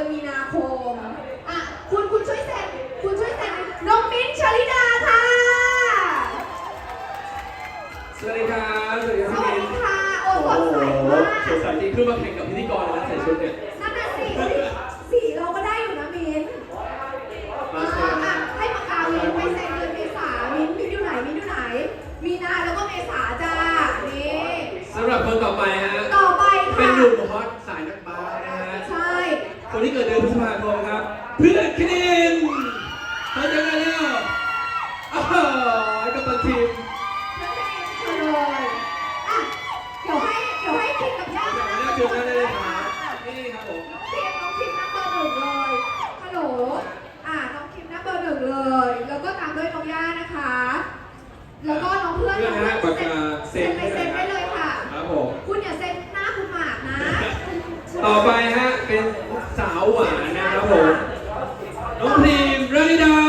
มีนาคมอ่ะคุณช่วยเซ็นน้องมิ้นท์ชลิดาค่ะสวัสดีครับสวัสดีครับสวัสดีค่ะโอ้สดใสมากสดใสจริงคือมาแข่งกับพิธีกรเลยนะใส่ชุดเนี่ยนั่นน่ะสีเราก็ได้อยู่นะมิ้นท์อ่ะให้ปากกามิ้นท์ไปเซ็นเดือนเมษามิ้นท์อยู่ไหนมีนาแล้วก็เมษาจ้านี่สำหรับคนต่อไปฮะเป็นหนุ่มฮอตสายนักบาสนะฮะใช่คนที่เกิดเดือนพฤษภาคมครับเพื่อนคณินเขาจะไงเนี่ยอ้าวกัปตันทีมเพื่อนคณินเชิญเลยอ่ะเดี๋ยวให้คิดกับย่ามานั่งคุยกันเลยค่ะนี่ครับผมน้องคิมนั่งเบอร์หนึ่งเลยฮัลโหลน้องคิมนั่งเบอร์หนึ่งเลย แล้วก็ตามด้วยน้องย่านะคะแล้วก็น้องเพื่อนเซ็นได้เลยค่ะครับผมคุณอย่าเซ็นหน้าคุณหมากนะต่อไปฮะเป็นสาวหวานนะครับผมน้องพรีมรานิดา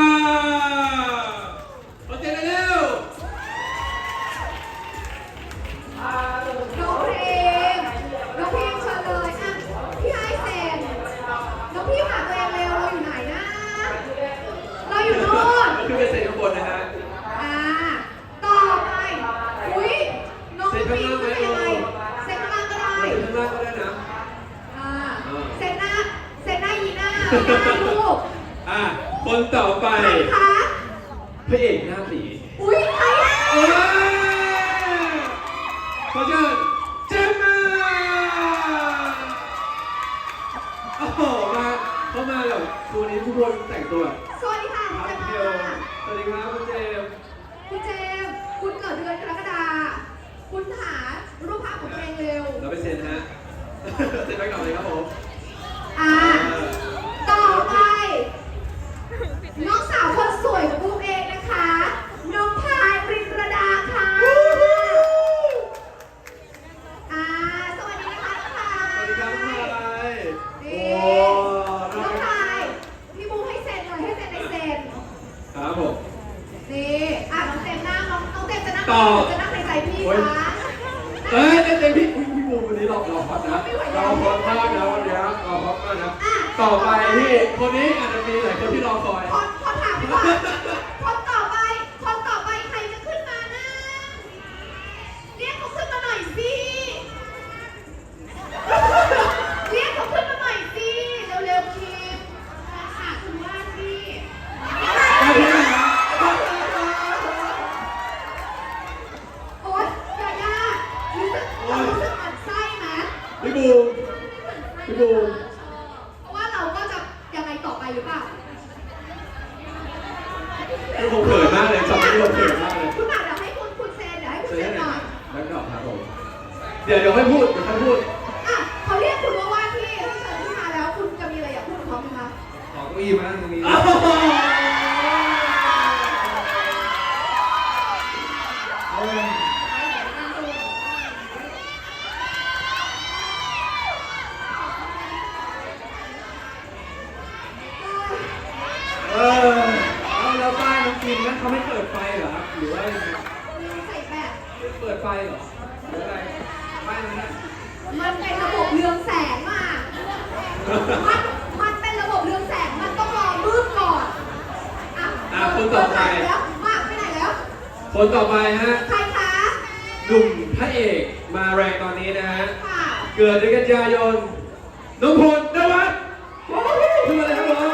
มาเจอกันเร็วน้องพรีมเชิญเลยอ่ะพี่ไอเซ็นน้องพี่หาตัวเองเร็วเราอยู่ไหนนะเราอยู่โน่นขึ้นไปเซ็นข้างบนนะฮะต่อไปอุ้ยน้องปีนเป็นยังไงเซ็นข้างล่างก็ได้ข้างล่างก็ได้นะเซ็นหน้ายีน่าลูกคนต่อไปใครคะพระเอกหน้าตีอุ้ยใครอ่ะขอเชิญเจมมาโอ้โหเข้ามาแบบตัวนี้ทุกคนแต่งตัวสวัสดีค่ะคุณเจมมาสวัสดีครับคุณเจมคุณเกิดเดือนกรกฎาคมคุณหารูปภาพของตัวเองเร็วเราไปเซ็นฮะเซ็นไปก่อนเลยครับผมต่อไปน้องสาวคนสวยของบูมเองนะคะน้องพายปรินประดาค่ะสวัสดีนะคะน้องพายสวัสดีครับน้องพายน้องพายพี่บูมให้เซ็นเลยให้เซ็นในเซ็นครับผมนี่น้องเต็มนั่งน้องเต็มจะนั่งในใจพี่คะเต็มพี่บูมวันนี้เราฮอตนะเราฮอตมากนะวันนี้เราฮอตมากนะต่อไปพี่คนนี้อาจจะมีหลายคนที่รอคอยขอถามพี่ว่าคนต่อไปใครจะขึ้นมานะเรียกเขาขึ้นมาหน่อยสิเรียกเขาขึ้นมาหน่อยสิเร็วๆคิมค่ะคุณว่าสิโอ๊ยยารู้สึกหมั่นไส้ไหมพี่บูมเพราะว่าเราก็จะยังไงต่อไปหรือเปล่าผมเขินมากเลยจำไม่รู้เขินมากเลยคุณหมากเดี๋ยวให้คุณเซนเดี๋ยวให้คุณเซนหน่อยแล้วก็ครับผมเดี๋ยวให้พูดเขาเรียกคุณว่าที่เชิญขึ้นมาแล้วคุณจะมีอะไรอยากพูดกับเขาไหมคะขอเก้าอี้มานั่งตรงนี้แล้วป้ายน้องกินนั้นเขาไม่เปิดไฟเหรอครับหรือว่ายังไงใส่แบบเปิดไฟเหรอหรืออะไรป้ายนั้นน่ะมันเป็นระบบเรืองแสงมากมันเป็นระบบเรืองแสงมันต้องรอมืดก่อนคนต่อไปแล้วมากไปไหนแล้วคนต่อไปฮะใครคะหนุ่มพระเอกมาแรงตอนนี้นะฮะเกิดเดือนกันยายนน้องพลนวัฒน์ขึ้นมาเลยครับผม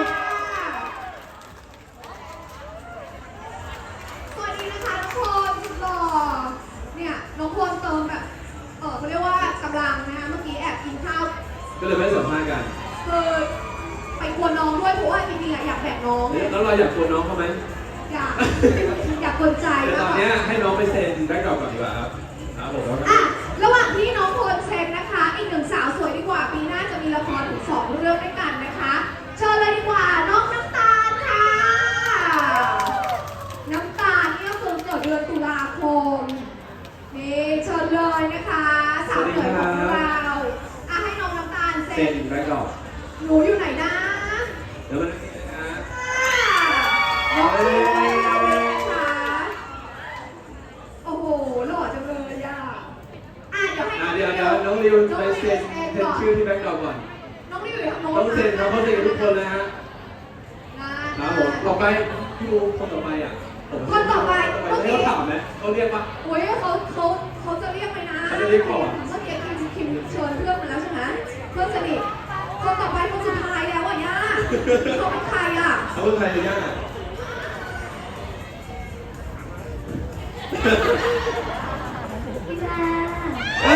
สวัสดีนะคะน้องพลสุดหล่อเนี่ยน้องพลเติมแบบเขาเรียกว่ากำลังนะคะเมื่อกี้แอบกินข้าวก็เลยไม่สัมภาษณ์กันคือไปกวนน้องด้วยเพราะว่าจริงๆอยากแบกน้องแล้วเราอยากกวนน้องเขาไหมอยากกวนใจแต่ตอนนี้ให้น้องไปเซ็นแบ็คดรอปก่อนดีกว่าครับผมระหว่างที่น้องพลเซ็นนะคะอีกหนึ่งสาวสวยดีกว่าปีหน้าจะมีละครถึง2 เรื่องด้วยกันนะคะเชิญเลยดีกว่าน้องน้ำตาลค่ะน้ำตาลนี่ก็คือเกิดเดือนตุลาคมนี่เชิญเลยนะคะสาวสวยของเราให้น้องน้ำตาลเซ็นแบ็คดรอปหนูอยู่ไหนนะเดี๋ยวมานั่งนี่นะน้องชื่ออะไรนะคะโอ้โหหล่อจังเลยเดี๋ยวให้น้องริวไปเซ็นชื่อที่แบ็คดรอปก่อนน้องริวอยู่ต้องเซ็นครับเขาเซ็นกับทุกคนเลยฮะครับผมต่อไปพี่บูคนต่อไปอ่ะคนต่อไปให้เขาถามไหมเขาเรียกว่าโอ้ยเขาจะเรียกไหมนะเขาจะเรียกก่อนเมื่อกี้คิมเชิญเพื่อนมาแล้วใช่ไหมเพื่อนสนิทคนต่อไปคนสุดท้ายแล้วอ่ะย่าเขาเป็นใครอ่ะเขาเป็นใครเนี่ยพี่แจ๊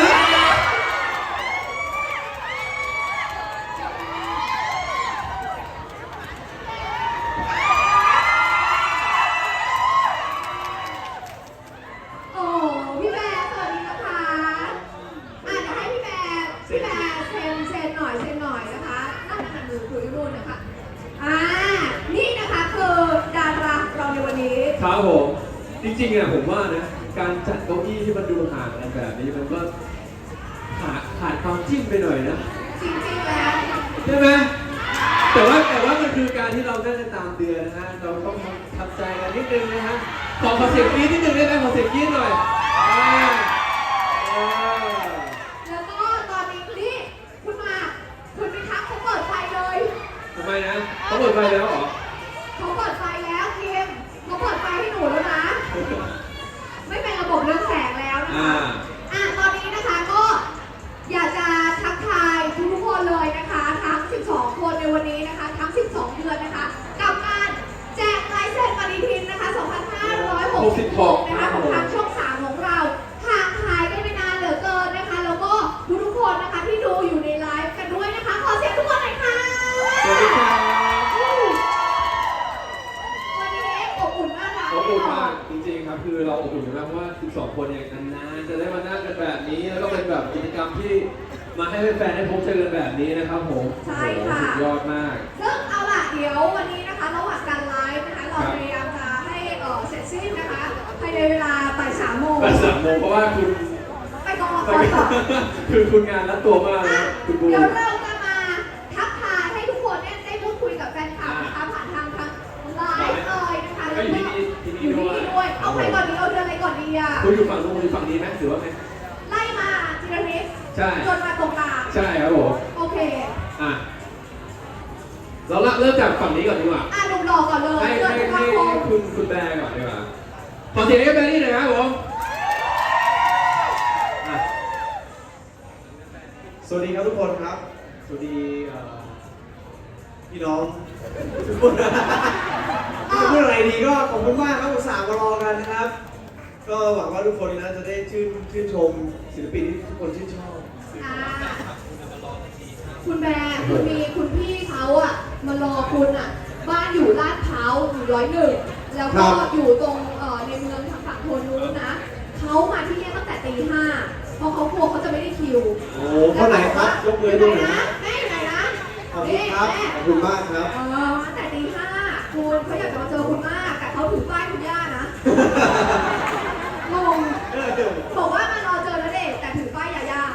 โอ้พี่แบร์สวัสดีนะคะเดี๋ยวให้พี่แบร์เซ็นหน่อยนะคะนั่นมือคุยรุ่นนะคะนี่นะคะคือดาราเราในวันนี้ครับผมจริงๆอ่ะผมว่านะการจัดเก้าอี้ที่มันดูห่างกันแบบนี้มันก็ขาดความจิ้มไปหน่อยนะจริงๆแล้วใช่ไหมแต่ว่ามันคือการที่เราได้ตามเดือนนะฮะเราต้องทำใจกันนิดนึงนะฮะขอเสียงกรี๊ดนิดนึงได้ไหมขอเสียงกรี๊ดหน่อยอ่าแล้วก็ตอนนี้นี่คุณพิทักษ์เขาเปิดไฟเลยทำไมนะเขาเปิดไฟแล้วเหรอเขาเปิดไฟแล้วคิมเขาเปิดไฟให้หนูแล้วนะ ไม่เป็นระบบเรืองแสงแล้วนะคะตอนนี้นะคะก็อยากจะทักทายทุกคนเลยนะคะทั้ง 12 คนในวันนี้นะคะทั้ง 12 เดือนนะคะกับการแจกลายเซ็นปฏิทินนะคะ 2566 นะคะของทางช่อง 3 ของเราห่างหายกันไปนานเหลือเกินนะคะ แล้วก็ทุกคนนะคะที่ดูอยู่ในไลฟ์กันด้วยนะคะ ขอเสียงทุกคนหน่อยค่ะสวัสดีครับวันนี้อบอุ่นมากค่ะอบอุ่นมากจริงๆครับคือเราอบอุ่นมากเพราะว่า 12 คนเนี่ยนานๆจะได้มานั่งกันแบบนี้แล้วก็เป็นแบบกิจกรรมที่มาให้แฟนๆได้พบเจอกันแบบนี้นะครับผมใช่ค่ะสุดยอดมากซึ่งเอาล่ะเดี๋ยววันนี้นะคะระหว่างการไลฟ์นะคะเราพยายามจะให้เสร็จสิ้นนะคะภายในเวลาบ่าย3 โมงบ่าย 3 โมงเพราะว่าคุณไปกองละครต่อคือคุณงานรัดตัวมากนะคุณบูเดี๋ยวเราจะมาทักทายให้ทุกคนเนี่ยได้พูดคุยกับแฟนคลับนะคะผ่านทางไลฟ์เลยนะคะแล้วก็อยู่ที่นี่ด้วยเอาใครก่อนดีเอาเดือนอะไรก่อนดีอ่ะคุณอยู่ฝั่งนู้นคุณอยู่ฝั่งนี้ไหมหรือว่าไงไล่มาทีละนิดใช่จนมาตรงกลางใช่ครับผมโอเคเราเริ่มจากฝั่งนี้ก่อนดีกว่าหนุ่มหล่อก่อนเลยให้เดือนตุลาคมคุณแบร์ก่อนดีกว่าขอเสียงให้แบร์นี่หน่อยครับผมอ่ะสวัสดีครับทุกคนครับ สวัสดีพี่น้องทุกคนจะพูดอะไรดีก็ขอบคุณมากครับอุตส่าห์มารอกันนะครับ ก็หวังว่าทุกคนนะจะได้ชื่นชมศิลปินที่ทุกคนชื่นชอบคุณแบร์คุณพี่เขาอ่ะมารอคุณอ่ะบ้านอยู่ลาดพร้าวอยู่101แล้วก็อยู่ตรงในเมืองทางฝั่งโทนนู้นนะเขามาที่นี่ตั้งแต่ตี 5เพราะเขากลัวเขาจะไม่ได้คิวโอ้คนไหนครับยกมือดูหน่อยนะแม่อยู่ไหนนะขอบคุณครับขอบคุณมากครับตั้งแต่ตี 5คุณเขาอยากจะมาเจอคุณมากแต่เขาถือป้ายคุณย่านะงงบอกว่ามารอเจอณเดชน์แต่ถือป้ายยาย่า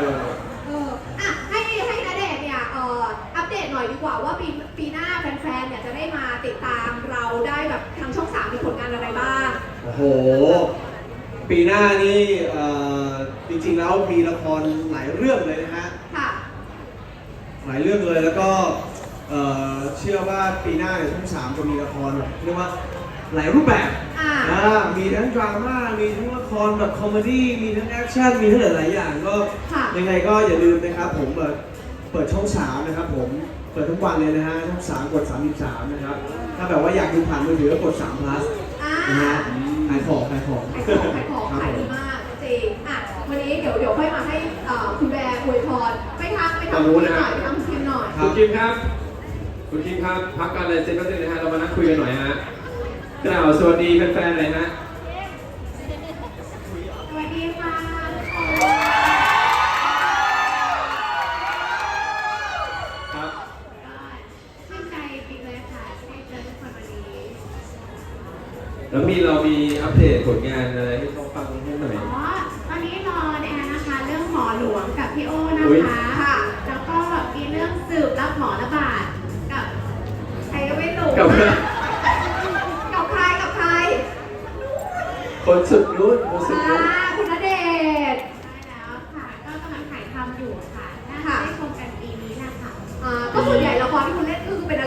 ให้ณเดชน์เนี่ยอัปเดตหน่อยดีกว่าว่าปีหน้าแฟนๆเนี่ยจะได้มาติดตามเราได้แบบทางช่อง 3มีผลงานอะไรบ้างโอ้โห ปีหน้านี่จริงๆแล้วมีละครหลายเรื่องเลยนะฮะค่ะหลายเรื่องเลยแล้วก็เชื่อว่าปีหน้าเนี่ยช่อง 3จะมีละครแบบเรียกว่าหลายรูปแบบ มีทั้งดราม่ามีทั้งละครแบบคอมเมดี้มีทั้งแอคชั่นมีทั้งหลายๆอย่างก็ยังไงก็อย่าลืมนะครับผมเปิดช่อง 3นะครับผมเปิดทุกวันเลยนะฮะช่อง 3กด33นะครับถ้าแบบว่าอยากดูผ่านมือถือก็กด3 plus นะฮะขายของขายดีมากจริงวันนี้เดี๋ยวค่อยมาให้คุณแบร์อวยพรไปทำคุณหน่อยไปทำคุณคิมหน่อยคุณคิมครับพักการเลยเซ็นแป๊บนึงนะฮะเรามานั่งคุยกันหน่อยฮะกล่าวสวัสดีแฟนๆหน่อยฮะสวัสดีค่ะครับก็ชื่นใจจริงเลยค่ะที่ได้เจอทุกคนวันนี้แล้วเรามีอัปเดตผลงานอะไรให้เขาฟังให้หน่อยตอนนี้รอเนี่ยนะคะเรื่องหมอหลวงกับพี่โอ้นะคะแล้วก็มีเรื่องสืบรับหมอระบาดกับใครก็ไม่รู้กับกับใครคนสุดรุ่นคุณณเดชน์ใช่แล้วค่ะ ก็กำลังถ่ายทำอยู่ค่ะน่าจะได้ชมกันปีนี้นะคะก็ส่วนใหญ่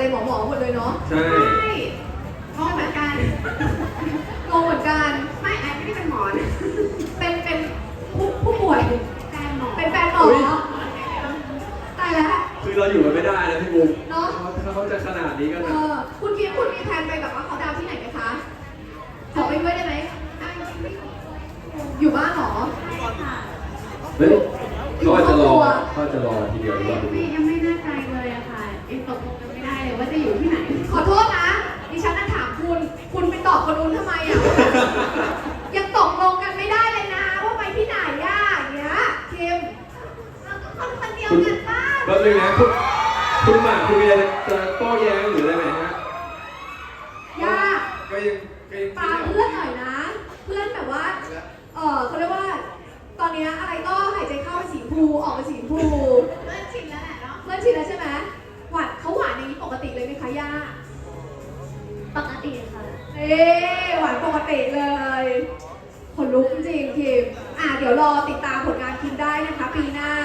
เลยหมอหมดเลยเนาะใช่ใช่งงเหมือนกันงงเหมือนกันไม่ไอ้ไม่ได้เป็นหมอนะเป็นผู้ป่วยแฟนหมอเป็นแฟนหมอตายแล้วคือเราอยู่กันไม่ได้นะพี่บูมเนาะถ้าเขาจะขนาดนี้ก็เอนะอคุณคิดคุณมีแผนไปแบบว่าเขาดาวน์ที่ไหนไหมคะ ขอไปด้วยได้ไหมได้จริงๆไม่ขออยู่บ้านเหรอค่ะเฮ้ยเขาอาจจะรอเขาอาจจะรอทีเดียวหรือเปล่าพี่บูมยังไม่แน่ใจเลยอะค่ะยังตกลงกันไม่ได้เลยว่าจะอยู่ที่ไหนขอโทษนะ ดิฉันน่ะถามคุณ คุณไปตอบคนนู้นทำไมอ่ะ ยังตกลงกันไม่ได้เลยนะ ว่าไปที่ไหนอ่ะอย่างเงี้ยคิมเราก็คนเดียวกันบ้างแป๊บนึงนะคุณหมากคุณมีอะไรจะโต้แย้งหรืออะไรไหมฮะย่าก็ยังตามเพื่อนหน่อยนะ เพื่อนแบบว่า เขาเรียกว่า ตอนเนี้ยอะไรก็หายใจเข้าเป็นสีชมพูออกเป็นสีชมพูเริ่มชินแล้วแหละเนาะเพื่อนชินแล้วใช่ไหมหวานเขาหวานอย่างนี้ปกติเลยไหมคะย่าปกติค่ะเอ๊หวานปกติเลยคนลุกจริงๆคิมเดี๋ยวรอติดตามผลงานคิมได้นะคะ ปีหน้า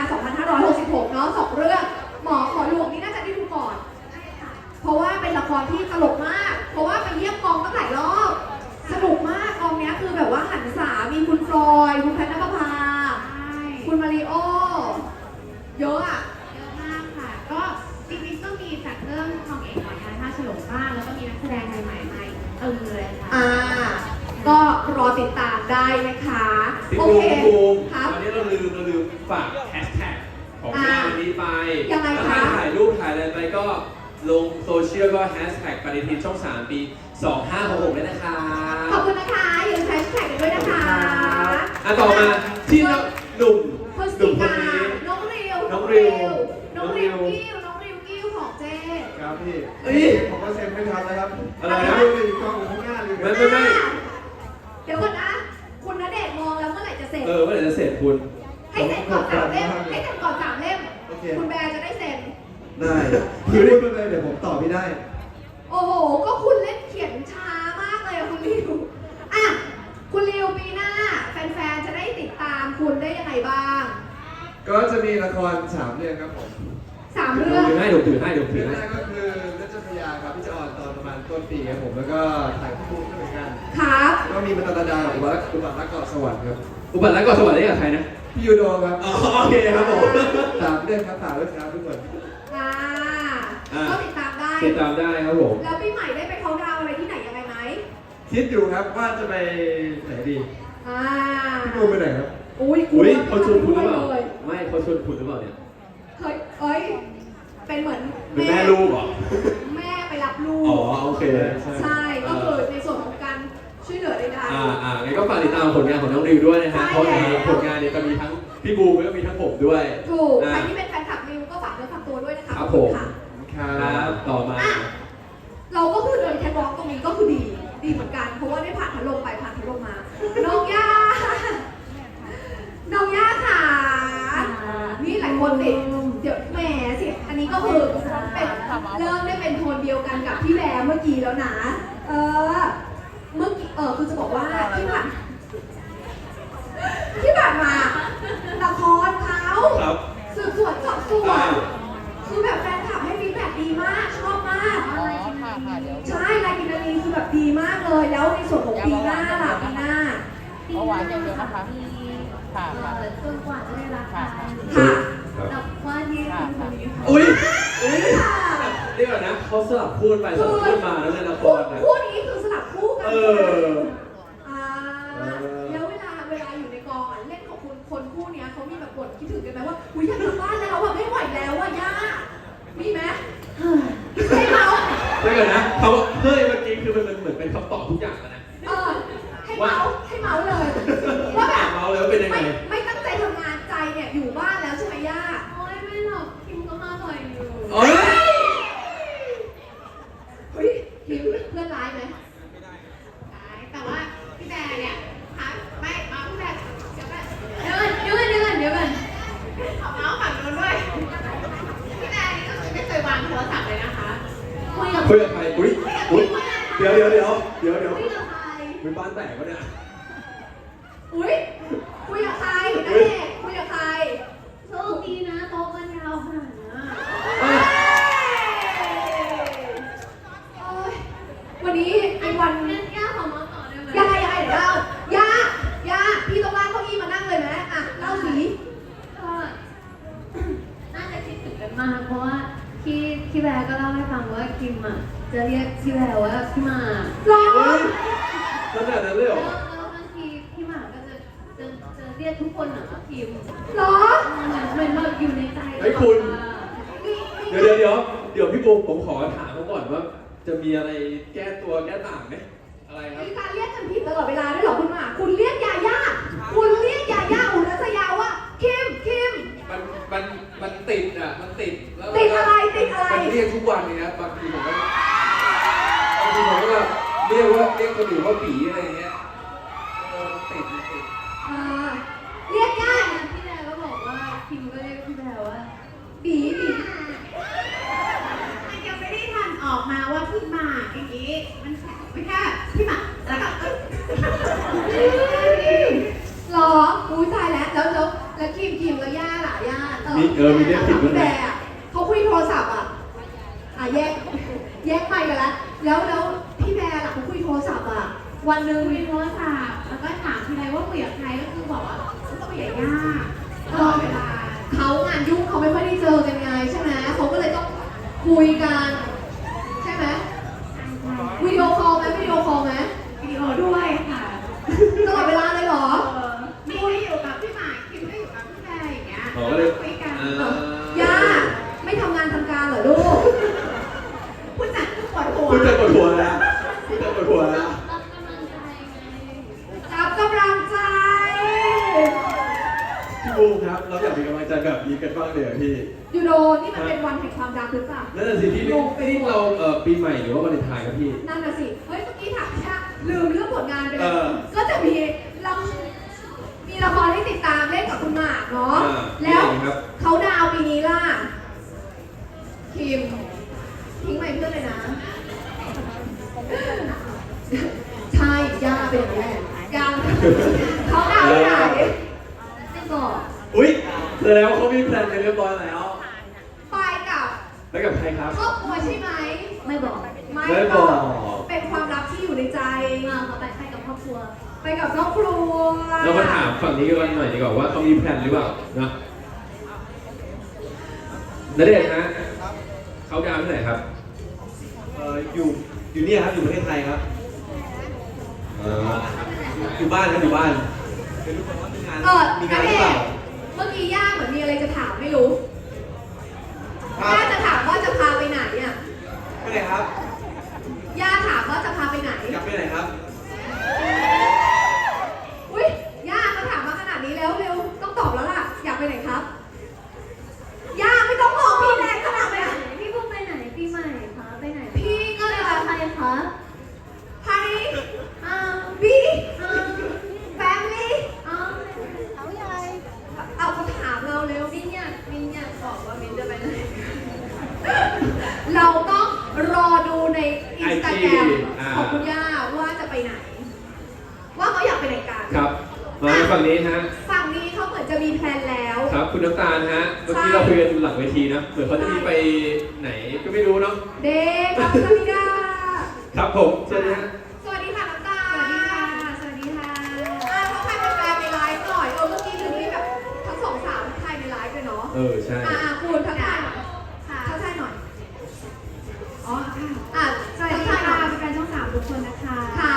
2566 เนาะ2เรื่องหมอขอหลวงนี่น่าจะได้ดูก่อน เพราะว่าเป็นละครที่ตลกมาก เพราะว่าไปเยี่ยมกองตั้งหลายรอบ สนุกมากกองเนี้ยคือแบบว่าหันษามีคุณฟลอยด์คุณแพทย์นภพาใช่คุณมาริโอ เยอะอ่ะเยอะมากค่ะ ก็จริงๆก็มีจากเรื่องทองเอกหน่อยนะท่าฉลองบ้างแล้วก็มีนักแสดงใหม่ๆมาเลยค่ะก็รอติดตามได้นะคะพี่โอบูเคมพี่บูมครับวันนี้เราลืมฝากแฮชแท็กของงานนี้ไปยังไงคะถ้าถ่ายรูปถ่ายอะไรไปก็ลงโซเชียลก็แฮชแท็กปฏิทินช่อง 3 ปี 2566ด้วยนะคะขอบคุณนะคะอย่าลืมแฮชแท็กกันด้วยนะคะต่อมาที่หนุ่มพฤศหนุ่จิมคนกานี้น้องริวน้องริวน้องริวกิ้วน้องริวกิ้วของเจ๊ครับพี่เอ้ยผมก็เซ็นไม่ทันแล้วครับอะไรนะดูดิกล้องอยู่ข้างหน้าเลยไม่เดี๋ยวก่อนนะ คุณณเดชน์มองแล้วเมื่อไหร่จะเสร็จเมื่อไหร่จะเสร็จคุณให้เสร็จก่อน3 เล่ม ให้เสร็จก่อน3 เล่มโอเคคุณแบร์จะได้เซ็นได้คือพูดไปเลยเดี๋ยวผมตอบไม่ได้โอ้โห ก็คุณเล่นเขียนช้ามากเลยอะคุณริวคุณริวปีหน้า แฟนๆ จะได้ติดตามคุณได้ยังไงบ้างก็จะมีละคร3เรื่องครับผม 3 เรื่องถือให้เดี๋ยวถือให้เรื่องแรกก็คือเรื่องเจ้าพระยาครับที่จะออนตอนประมาณต้นปีครับผมแล้วก็ถ่ายคู่ด้วยเหมือนกันครับก็มีมาตาดาอุบัติรักเกาะสวรรค์ครับอุบัติรักก่อนสวัสดีกับใครนะพี่ยูโดครับอ๋อโอเคครับผม 3เรื่องครับฝากด้วยครับทุกคนก็ติดตามได้ติดตามได้ครับผมแล้วปีใหม่ได้ไปเขาดาวน์อะไรที่ไหนยังไงไหมคิดอยู่ครับว่าจะไปไหนดีอ่าพี่บูมไปไหนครับอุ้ยอุ้ยเขาชวนคุณหรือเปล่าเลยไม่เขาชวนคุณหรือเปล่าเนี่ยเคยเป็นเหมือนเป็นแม่ลูกเหรอแม่ไปรับลูกอ๋อโอเคใช่ ก็คือในส่วนของการช่วยเหลือใดงั้นก็ฝากติดตามผลงานของน้องริวด้วยนะฮะใช่เพราะแล้วผลงานเนี่ยจะมีทั้งพี่บูมแล้วก็มีทั้งผมด้วยๆถูกอ่าใครที่เป็นแฟนคลับริวก็ฝากเนื้อฝากตัวด้วยนะคะครับขอณผมค่ะครับต่อมาเราก็คือเดินแคทวอล์กตรงนี้ก็คือดีเหมือนกัน เพราะว่าได้ผ่านพัดลมไปผ่านพัดลมมา น้องย่า น้องย่าค่ะนี่หลายคนติดเดี๋ยวแหมสิ อันนี้ก็คือเป็นเริ่มได้เป็นโทนเดียวกันกับพี่แบร์เมื่อกี้แล้วนะ เมื่อกี้คือจะบอกว่าที่ผ่านมาละครเขาครับสืบสวนสอบสวน คือแบบแฟนคลับให้ฟีดแบ็กดีมาก ชอบมาก ใช่รายกินนารีคือแบบดีมากเลย แล้วในส่วนของปีหน้าล่ะปีหน้าเมื่อวานอย่างเดียวนะคะ ค่ะค่ะจนกว่าจะได้รับการค่ะกับว่าที่คุณคนนี้ค่ะอุ้ยเดี๋ยวนะเขาสลับพูดไปสลับพูดมาแล้วในละครนะคู่นี้คือสลับคู่กันเออแล้วเวลาอยู่ในกองเล่นของคุณคนคู่เนี้ยเขามีแบบบ่นคิดถึงกันไหมว่าอุ้ยอยากกลับบ้านแล้วแบบไม่ไหวแล้วอ่ะย่ามีไหมให้เมาส์เดี๋ยวนะเขาเฮ้ยเมื่อกี้คือมันเหมือนเป็นคำตอบทุกอย่างแล้วนะให้เมาส์เลยว่าแบบเมาแล้วเป็นยังไงไม่ตั้งใจทำงานใจเนี่ยอยู่บ้านแล้วใช่ไหมย่าโอ้ยไม่หรอกคิมก็มาบ่อยอยู่โอ้ยเฮ้ยคิมเพื่อนร้ายไหมแต่ว่าพี่แบร์เนี่ยไม่เอาพี่แบร์เดี๋ยวก่อนเอาเมาส์ฝั่งโน้นด้วยพี่แบร์นี่ก็คือไม่เคยวางโทรศัพท์เลยนะคะคุยกับคุยกับใครอุ้ยเดี๋ยวคุยกับใครเป็นบ้านแตกวะเนี่ยอุ้ยคุยกับใครนั่นเองคุยกับใครโชคดีนะโต๊ะมันยาวขนาดนี้เาให้ฟังว่าคิมอ่ะจะเรียกพี่แววว่าพี่หมากหรอเฮ้ยขนาดนั้นเลยเหรอแล้วบางทีพี่หมากก็จะเรียกทุกคนเหมือนว่าคิมหรอเหมือนแบบอยู่ในใจเฮ้ยคุณมีเดี๋ยวพี่ปูผมขอถามเขาก่อนว่า จะมีอะไรแก้ตัวแก้ต่างไหมอะไรครับมีการเรียกกันผิดตลอดเวลาด้วยเหรอคุณหมากคุณเรียกยาย่าคุณเรียกยาย่าอุรัสยาว่าคิมมันติดอ่ะ มันติดแล้วติดอะไรติดอะไรมันเรียกทุกวันเลยนะบางทีผมก็แบบเรียกคนอื่นว่าปีอะไรอย่างเงี้ยมันติดอ่าเรียกย่าพี่แววก็บอกว่าคิมก็เรียกพี่แววว่าบีบีมันยังไม่ได้ทันออกมาว่าพี่หมากอย่างนี้มันไม่แค่พี่หมากแล้วก็หรออุ้ยตายแล้วคิมแล้วย่าล่ะย่ามีเรียกผิดด้วยพี่แบนะร์อะเขาคุยโทรศัพท์อ่ะแยกไปกันแล้วพี่แบร์ล่ะเขาคุยโทรศัพท์อ่ะวันหนึ่งคุยโทรศัพท์แล้วก็ถามทีไรว่าคุยกับใครก็คือบอกว่าคุยกับย่าตลอดเวลาเขางานยุ่งเขาไม่ค่อยได้เจอกันไงใช่ไหมเขาก็เลยต้องคุยกันใช่ไหมวิดีโอคอลไหมวิดีโอด้วยค่ะตลอดเวลาเลยเหรอมีก็อยู่กับพี่หมากคิมก็อยู่กับพี่แพรอย่างเงี้ยอ๋อก็เลยคุยกันย่าไม่ทำงานทำการเหรอลูกผู้จัดก็ปวดหัวคุณจะปวดหัวแล้วคุณจะปวดหัวแล้วรับกำลังใจพี่บูมครับ เราอยากมีกำลังใจแบบนี้กันบ้างเลยเหรอพี่ยูโรนี่มันเป็นวันแห่งความรักหรือเปล่านั่นน่ะสิพี่นี่เราปีใหม่หรือว่าวาเลนไทน์ครับพี่นั่นน่ะสิ เฮ้ยเมื่อกี้ถามย่าลืมเรื่องผลงานไปเลเอย อก็จะมีละครให้ติดตามเล่นกับคุณหมากเนาะ แล้วมีอะไรครับเขาดาวน์ปีนี้ล่ะ คิมทิ้งไมค์เพื่อนเลยนะ ใช่ย่าเป็นอย่างนี้แหละย่าเขาดาวน์ที่ไหนไม่บอกอุ๊ยแสดงว่าเขามีแพลนกันเรียบร้อยแล้วไปกับไปกับใครครับครอบครัวใช่ไหมไม่บอกไม่บอกเป็นความลับที่อยู่ในใจเขาไปกับครอบครัวไปกับครอบครัวเรามาถามฝั่งนี้กันหน่อยดีกว่าว่าเขามีแพลนหรือเปล่านะณเดชน์ฮะเขาดาวน์ที่ไหนครับอยู่เนี่ยครับอยู่ประเทศไทยครับ อยู่บ้านครับอยู่บ้านเป็นทุกคนว่ามีงาน มีงานหรือเปล่าเมื่อกี้ย่าเหมือนมีอะไรจะถามไม่รู้ครับย่าจะถามว่าจะพาไปไหนอ่ะไปไหนครับย่าถามว่าจะพาไปไหนอยากไปไหนครับอุ้ยย่ามาถามมาขนาดนี้แล้วเร็วต้องตอบแล้วล่ะ อยากไปไหนครับย่าไม่ต้องมองพี่แรงขนาดนั้นพี่พุ่งไปไหนปีใหม่คะไปไหนพี่ก็เลยใครคะไฮบีแฟมิลี่เขาใหญ่เอาคำถามเราเร็วมินอยากบอกว่ามินจะไปไหนเราต้องรอดูในอินสตาแกรมอ่าของคุณย่าว่าจะไปไหน ว่าเขาอยากไปไหนกันครับ มาฝั่งนี้ฮะฝั่งนี้เขาเหมือนจะมีแพลนแล้วครับคุณน้ำตาลฮะ เมื่อกี้เราคุยกันหลังเวทีนะ เหมือนเขาจะมีไปไหนก็ไม่รู้เนาะเด็กครับสวัสดีค่ะครับผมเชิญนะฮะสวัสดีค่ะน้ำตาลสวัสดีค่ะเขาใครเป็นแฟนในไลฟ์หน่อยเมื่อกี้คือมีแบบทั้งสองสาวใครในไลฟ์เลยเนาะใช่คุณทักทายหน่อยค่ะทักทายหน่อยอ๋อค่ะสวัสทัดีกทายค่ะแฟนช่อง3ทุกคนนะคะค่ะ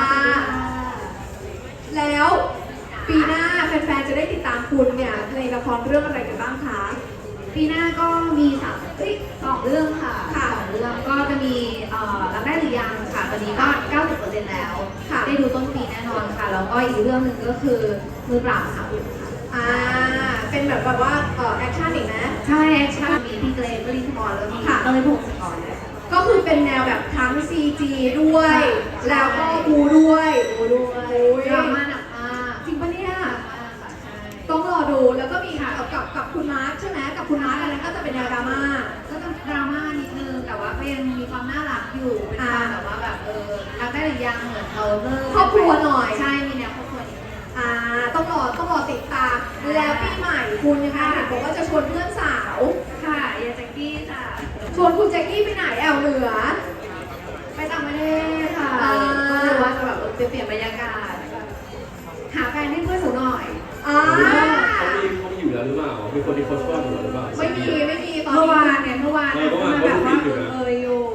แล้วปีหน้าแฟนๆจะได้ติดตามคุณเนี่ยในละครเรื่องอะไรกันบ้างคะปีหน้าก็มี2เรื่องค่ะค่ะ 2เรื่องก็จะมีรับได้หรือยังค่ะตอนนี้ก็ 90% แล้วค่ะได้ดูต้นปีแน่นอนค่ะ แล้วก็อีกเรื่องหนึ่งก็คือมือปราบค่ะเป็นแบบว่าแอคชั่นอีกนะใช่แอคชั่นมีพี่เกรซวรินทร์พรแล้วมีค่ะเต้ยพงศกรด้วยค่ะก็คือเป็นแนวแบบทั้ง CG ด้วย แล้วก็บูด้วยดูด้วยโอ้ยดราม่าหนักมากจริงปะเนี่ยหนักมากค่ะใช่ต้องรอดู แล้วก็มีกับคุณมาร์คใช่ไหมกับคุณมาร์คอันนั้นก็จะเป็นแนวดราม่าก็จะดราม่านิดนึงแต่ว่าก็ยังมีความน่ารักอยู่เป็นความแบบว่าแบบรักได้หรือยังเหมือนเราเลิกครอบครัวหน่อยใช่มีแนวครอบครัวนิดนึงต้องรอติดตาม แล้วปีใหม่คุณยังไงเห็นบอกว่าจะชวนเพื่อนสาวค่ะยาแจ็กกี้ค่ะชวนคุณแจ็คกี้ไปไหนแอลเหนือไปต่างประเทศค่ะอ่าก็เลยว่าจะแบบเปลี่ยนบรรยากาศหาแฟนให้เพื่อนหนูหน่อยเขามีอยู่แล้วหรือเปล่า มีคนที่เขาชอบอยู่แล้วหรือเปล่าไม่มีตอนเมื่อวานนี้เนี่ยเมื่อวานเมื่อวานเขาแบบว่าดูอยู่นะอยู่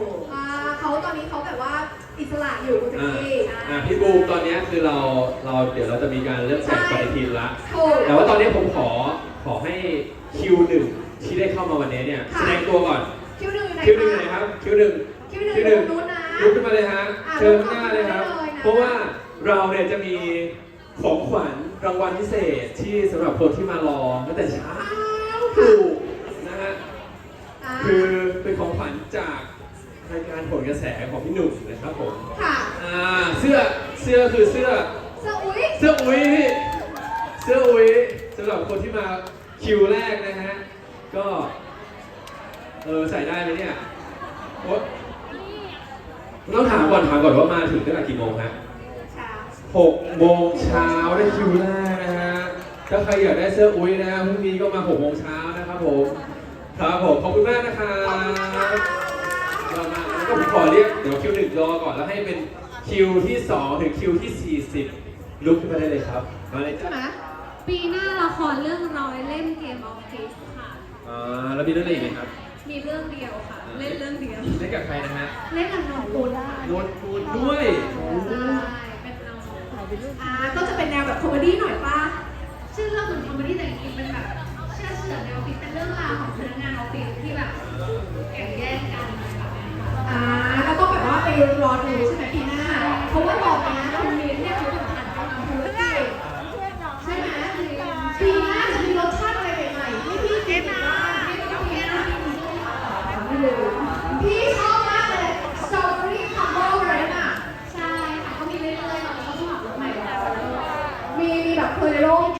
สระอยู่คุณแจ็คกี้พี่บูมตอนนี้คือเราเดี๋ยวเราจะมีการเริ่มแข่งปฏิทินละถูกแต่ว่าตอนนี้ผมขอให้คิวหนึ่งที่ได้เข้ามาวันนี้เนี่ยแสดงตัวก่อนคิวหนึ่งอยู่ไหนคิวหนึ่งไหนครับคิวหนึ่งคิวหนึ่งอยู่นู้นนะลุกขึ้นมาเลยฮะอ่ะเชิญข้างหน้าเลยครับลุกขึ้นมาเลยนะเพราะว่าเราเนี่ยจะมีของขวัญรางวัลพิเศษที่สำหรับคนที่มารอตั้งแต่เช้าถูกนะฮะ คือเป็นของขวัญจากรายการผลกระแสของพี่หนุ่มนะครับผมค่ะเสื้อคือเสื้อเสื้ออุ้ยเสื้ออุ้ยพี่เสื้ออุ้ยสำหรับคนที่มาคิวแรกนะฮะ ก็ใส่ได้ไหมเนี่ยโอ๊ยต้องถามก่อนว่ามาถึงตั้งแต่กี่โมงฮะเช้า 6 โมงเช้าได้คิวแรกนะฮะ ถ้าใครอยากได้เสื้ออุ้ยนะพรุ่งนี้ก็มา6 โมงเช้านะครับผม ครับผมขอบคุณมากนะครับเรามาแล้วก็ผมขอเรียกเดี๋ยวคิว1รอก่อนแล้วให้เป็นคิวที่2ถึงคิวที่40ลุกขึ้นมาได้เลยครับมาเลยใช่จ้ะไหมปีหน้าละครเรื่องร้อยเล่มเกมออฟฟิศค่ะแล้วมีเรื่องอะไรอีกไหมครับมีเรื่องเดียวค่ะ เล่นเรื่องเดียวเล่นกับใครนะฮะเล่นกับน้องปูได้นนทูนด้วยใช่เป็นน้องก็จะเป็นแนวแบบคอมเมดี้หน่อยป่ะชื่อเรื่องเหมือนคอมเมดี้แต่จริงๆเป็นแบบเชื่อเฉือนในออฟฟิศเป็นเรื่องราวของพนักงานออฟฟิศที่แบบแข่งแย่งกันแบบนี้ค่ะแล้วก็แบบว่าไปรอดูใช่ไหมปีหน้า เพราะว่าบอกเลยนะ